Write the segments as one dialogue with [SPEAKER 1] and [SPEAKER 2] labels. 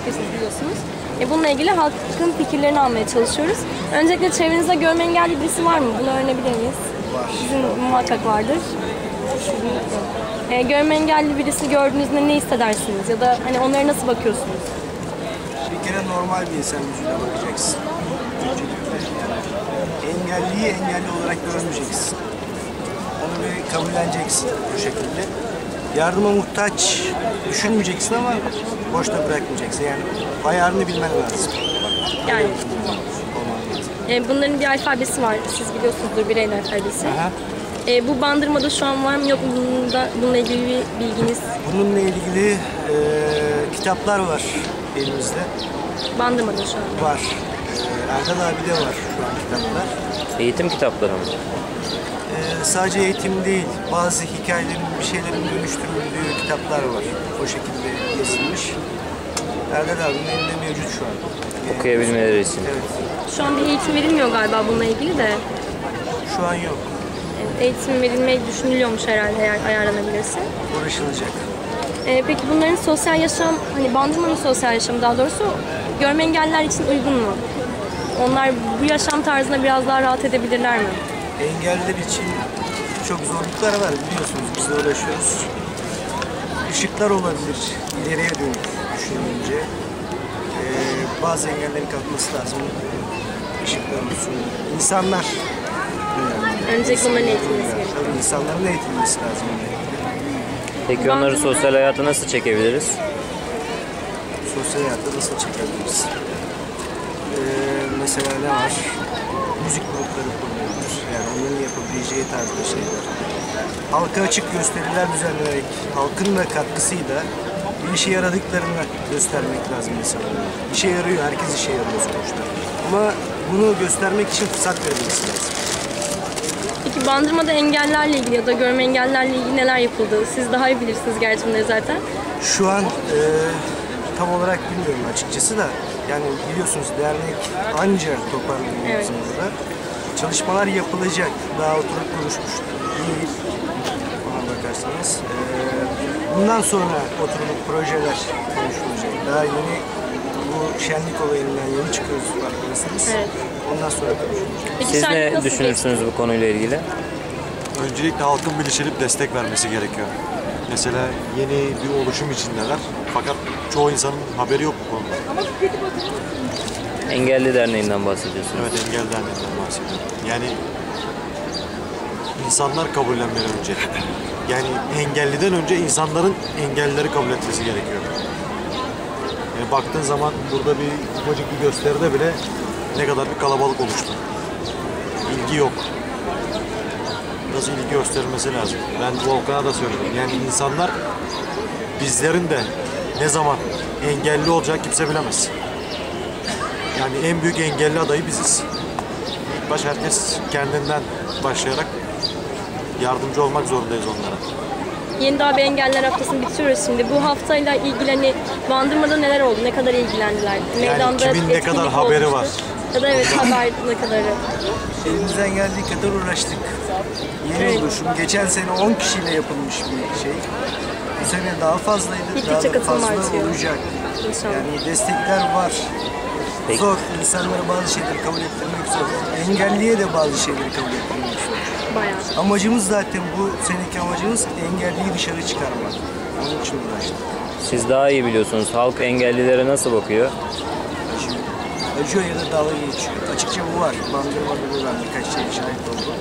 [SPEAKER 1] fikirsiz biliyorsunuz. Bununla ilgili halkın fikirlerini almaya çalışıyoruz. Öncelikle çevrenizde görme engelli birisi var mı? Bunu öğrenebilir miyiz?
[SPEAKER 2] Var.
[SPEAKER 1] Sizin muhakkak vardır. Görme engelli birisini gördüğünüzde ne hissedersiniz? Ya da hani onlara nasıl bakıyorsunuz?
[SPEAKER 2] Bir kere normal bir insan yüzüne bakacaksın. Engelliyi engelli olarak görmeyeceksin. Onu bir kabulleneceksin bu şekilde. Yardıma muhtaç düşünmeyeceksin ama boşta bırakmayacaksın. Yani ayarını bilmen lazım.
[SPEAKER 1] Yani bunların bir alfabesi var. Siz biliyorsunuzdur, Braille alfabesi.
[SPEAKER 2] Aha.
[SPEAKER 1] Bu Bandırma'da şu an var mı yok mu? Bununla ilgili bir bilginiz?
[SPEAKER 2] Bununla ilgili kitaplar var elimizde.
[SPEAKER 1] Bandırma'da şu an.
[SPEAKER 2] Var. Erdal abi de var şu an kitaplar.
[SPEAKER 3] Eğitim kitapları mı?
[SPEAKER 2] Sadece eğitim değil, bazı hikayelerin, bir şeylerin dönüştürüldüğü kitaplar var. O şekilde yazılmış. Erdal abinin elinde mevcut şu an.
[SPEAKER 3] Okuyabilmeleri için.
[SPEAKER 2] Evet.
[SPEAKER 1] Şu an bir eğitim verilmiyor galiba bununla ilgili de.
[SPEAKER 2] Şu an yok.
[SPEAKER 1] Eğitim verilmeyi düşünülüyormuş herhalde eğer ayarlanabilirse.
[SPEAKER 2] Uğraşılacak.
[SPEAKER 1] Peki bunların sosyal yaşam, hani Bandırma'nın sosyal yaşamı daha doğrusu görme engelliler için uygun mu? Onlar bu yaşam tarzına biraz daha rahat edebilirler mi?
[SPEAKER 2] Engelliler için çok zorluklar var biliyorsunuz, biz de uğraşıyoruz. Işıklar olabilir ileriye dönük düşününce. Bazı engellerin kalkması lazım. Işıklar olsun. İnsanlar.
[SPEAKER 1] Öncelikle onların eğitilmesi gerekiyor.
[SPEAKER 2] Tabii insanların eğitilmesi lazım.
[SPEAKER 3] Peki onları sosyal hayata nasıl çekebiliriz?
[SPEAKER 2] Sosyal hayatta nasıl çekebiliriz? Mesela ne var? Müzik grupları kullanılır. Yani onların yapabileceği tarzda şeyler. Halka açık gösteriler düzenlenerek, halkın da katkısıyla bir işe yaradıklarını göstermek lazım insanlara. İşe yarıyor, herkes işe yarıyor sonuçta. Ama bunu göstermek için fırsat verilmesi lazım.
[SPEAKER 1] Peki Bandırma'da engellerle ilgili ya da görme engellerle ilgili neler yapıldı? Siz daha iyi bilirsiniz gerçi bunları zaten.
[SPEAKER 2] Şu an tam olarak bilmiyorum açıkçası da, yani biliyorsunuz dernek anca toparlanıyor
[SPEAKER 1] Evet.
[SPEAKER 2] bizim burada. Çalışmalar yapılacak, daha oturup konuşmuş değil ona bakarsanız. Bundan sonra oturup projeler konuşulacak. Daha yeni bu şenlik olayından yeni çıkıyoruz farkındasınız.
[SPEAKER 1] Evet.
[SPEAKER 2] Ondan sonra konuşulacak.
[SPEAKER 1] Peki
[SPEAKER 3] Siz
[SPEAKER 1] şenlik
[SPEAKER 3] ne
[SPEAKER 1] nasıl
[SPEAKER 3] düşünürsünüz bu konuyla ilgili?
[SPEAKER 4] Öncelikle halkın bilinçlenip destek vermesi gerekiyor. Mesela yeni bir oluşum içindeler. Fakat çoğu insanın haberi yok bu konuda.
[SPEAKER 3] Engelli Derneği'nden bahsediyorsunuz.
[SPEAKER 4] Evet, engel derneğinden bahsediyorum. Yani insanlar kabullenmeli önce. Yani engelliden önce insanların engellileri kabul etmesi gerekiyor. Yani baktığın zaman burada bir ufacık bir gösteride bile ne kadar bir kalabalık oluştu. İlgi yok. Biraz ilgi gösterilmesi lazım. Ben Volkan'a da söyledim. Yani insanlar bizlerin de ne zaman engelli olacak kimse bilemez. Yani en büyük engelli adayı biziz. İlk baş herkes kendinden başlayarak yardımcı olmak zorundayız onlara.
[SPEAKER 1] Yeni Dağ Engeller Haftası'nı bitiriyoruz şimdi. Bu haftayla ilgili hani Bandırma'da neler oldu? Ne kadar ilgilendiler? Meydanda
[SPEAKER 4] kimin ne kadar
[SPEAKER 1] etkinlik
[SPEAKER 4] haberi
[SPEAKER 1] olmuştur.
[SPEAKER 4] var?
[SPEAKER 1] Ya da evet haber ne kadarı?
[SPEAKER 2] Elimizden geldiği kadar uğraştık. Yeni
[SPEAKER 1] Evet.
[SPEAKER 2] oluşum. Geçen sene 10 kişiyle yapılmış bir şey. Bu sene daha fazlaydı.
[SPEAKER 1] Gittikçe
[SPEAKER 2] Daha da
[SPEAKER 1] katılım
[SPEAKER 2] fazla
[SPEAKER 1] artıyor.
[SPEAKER 2] olacak.
[SPEAKER 1] İnşallah.
[SPEAKER 2] Yani destekler var.
[SPEAKER 3] Peki.
[SPEAKER 2] Zor. İnsanlara bazı şeyleri kabul ettirmek zor. Engelliye de bazı şeyleri kabul ettirmek zor.
[SPEAKER 1] Bayağı.
[SPEAKER 2] Amacımız zaten bu seneki amacımız engelliyi dışarı çıkarmak. Onun için uğraştık.
[SPEAKER 3] Siz daha iyi biliyorsunuz. Halk engellilere nasıl bakıyor?
[SPEAKER 2] Acıyor ya da dalga geçiyor. Açıkça bu var. Bandırmada bu var. Birkaç şey şahit oldu.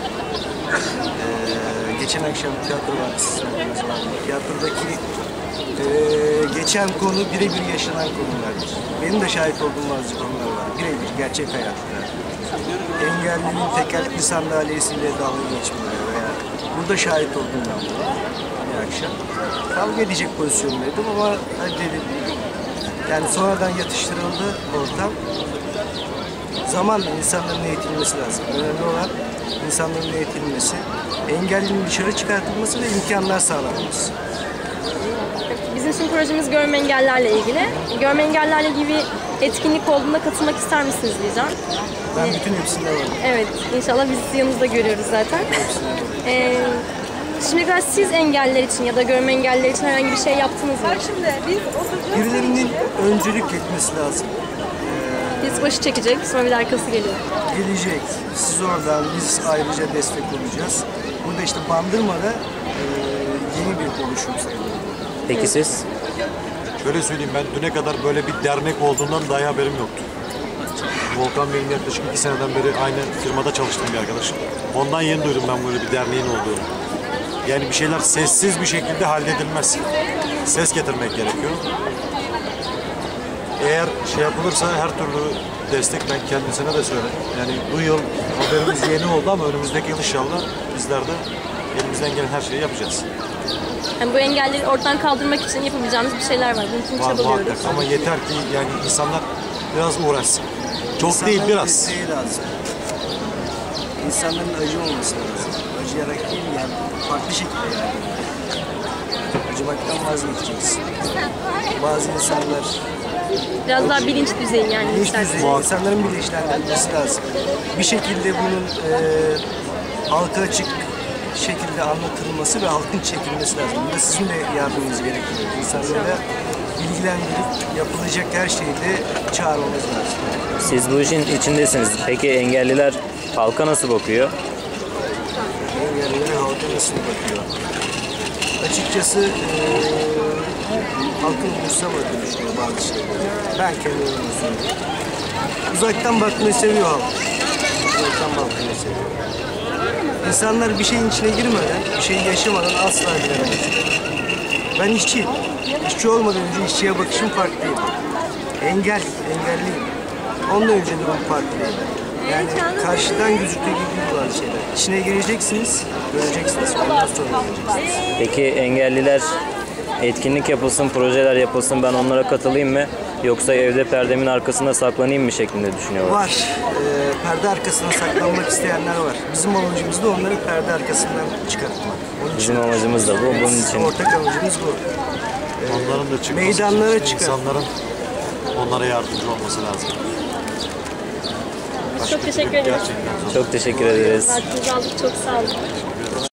[SPEAKER 2] Geçen akşam tiyatro var. Tiyatrodaki geçen konu birebir yaşanan konulardır. Benim de şahit olduğum bazı konular var. Birebir gerçek hayatta. Engellinin tekerlekli sandalyesiyle dalga geçmeleri veya burada şahit oldum ben buna bir akşam. Kavga edecek pozisyondaydım ama dedim. Yani sonradan yatıştırıldı ortam. Zamanla insanların eğitilmesi lazım. Önemli olan insanların eğitilmesi, engellinin dışarı çıkartılması ve imkanlar sağlanması.
[SPEAKER 1] Bizim için projemiz görme engellerle ilgili. Görme engellerle ilgili bir etkinlik olduğunda katılmak ister misiniz diyeceğim.
[SPEAKER 2] Ben bütün hepsinde varım.
[SPEAKER 1] Evet, inşallah biz yanınızda görüyoruz zaten. Şimdiye kadar siz engelliler için ya da görme engelliler için herhangi bir şey yaptınız mı?
[SPEAKER 2] Birilerinin öncülük etmesi lazım.
[SPEAKER 1] Biz başı çekecek, sonra bir de arkası geliyor.
[SPEAKER 2] Gelecek. Siz oradan, biz ayrıca destek olacağız. Burada işte Bandırma'da yeni bir oluşum sayılır.
[SPEAKER 3] Peki siz?
[SPEAKER 4] Şöyle söyleyeyim, ben düne kadar böyle bir dernek olduğundan dahi haberim yoktu. Volkan benim yaklaşık 2 seneden beri aynı firmada çalıştığım bir arkadaşım. Ondan yeni duydum ben böyle bir derneğin olduğunu. Yani bir şeyler sessiz bir şekilde halledilmez. Ses getirmek gerekiyor. Eğer şey yapılırsa her türlü destek ben kendisine de söyledim. Yani bu yıl haberimiz yeni oldu ama önümüzdeki yıl inşallah bizler de elimizden gelen her şeyi yapacağız.
[SPEAKER 1] Yani bu engelleri ortadan kaldırmak için yapabileceğimiz bir şeyler var. Bunun için
[SPEAKER 4] Var
[SPEAKER 1] çabalıyoruz.
[SPEAKER 4] muhakkak ama yeter ki yani insanlar biraz uğraşsın. Çok değil, biraz.
[SPEAKER 2] desteği lazım. İnsanların acı olması lazım. Acıyarak değil yani farklı şekilde yani. Acımaktan vazgeçeceksin. Bazı insanlar
[SPEAKER 1] Biraz daha bilinç düzeyi yani.
[SPEAKER 2] bilinç
[SPEAKER 1] isterseniz.
[SPEAKER 2] düzeyi, insanların bilinçlendirilmesi lazım. Bir şekilde bunun halka açık şekilde anlatılması ve halkın çekilmesi lazım. Burada sizin de yardımınız gerekiyor. İnsanlara bilgilendirip yapılacak her şeyde çağırmamız lazım.
[SPEAKER 3] Siz bu işin içindesiniz. Peki engelliler halka nasıl bakıyor?
[SPEAKER 2] Engellilere halka nasıl bakıyor? Açıkçası halkın umursamadığını düşünüyor bazı şeyleri. Ben kendi yorumumu söyleyeyim. Uzaktan bakmayı seviyor halk. Uzaktan bakmayı seviyor. İnsanlar bir şeyin içine girmeden, bir şeyi yaşamadan asla bilemez. Ben işçiyim. İşçi olmadan önce işçiye bakışım farklıydı. Engelliyim. Ondan önce durum farklıydı. Yani karşıdan gözüktüğü gibi değil bazı şeyler. İçine gireceksiniz, göreceksiniz. Ondan sonra göreceksiniz.
[SPEAKER 3] Peki engelliler etkinlik yapılsın, projeler yapılsın, ben onlara katılayım mı? Yoksa evde perdemin arkasında saklanayım mı şeklinde düşünüyorlar?
[SPEAKER 2] Var. Perde arkasına saklanmak isteyenler var. Bizim amacımız da onları perde arkasından çıkartmak. Onun için
[SPEAKER 3] Bizim amacımız da bu. Bunun için
[SPEAKER 2] ortak amacımız bu.
[SPEAKER 4] Onların da çıkması
[SPEAKER 2] Meydanlara
[SPEAKER 4] için
[SPEAKER 2] çıkar.
[SPEAKER 4] insanların onlara yardımcı olması lazım.
[SPEAKER 1] Çok teşekkür ederiz.
[SPEAKER 4] Gerçekten zor.
[SPEAKER 3] çok teşekkür ederiz.
[SPEAKER 1] Vaktinizi aldık. Çok sağ olun.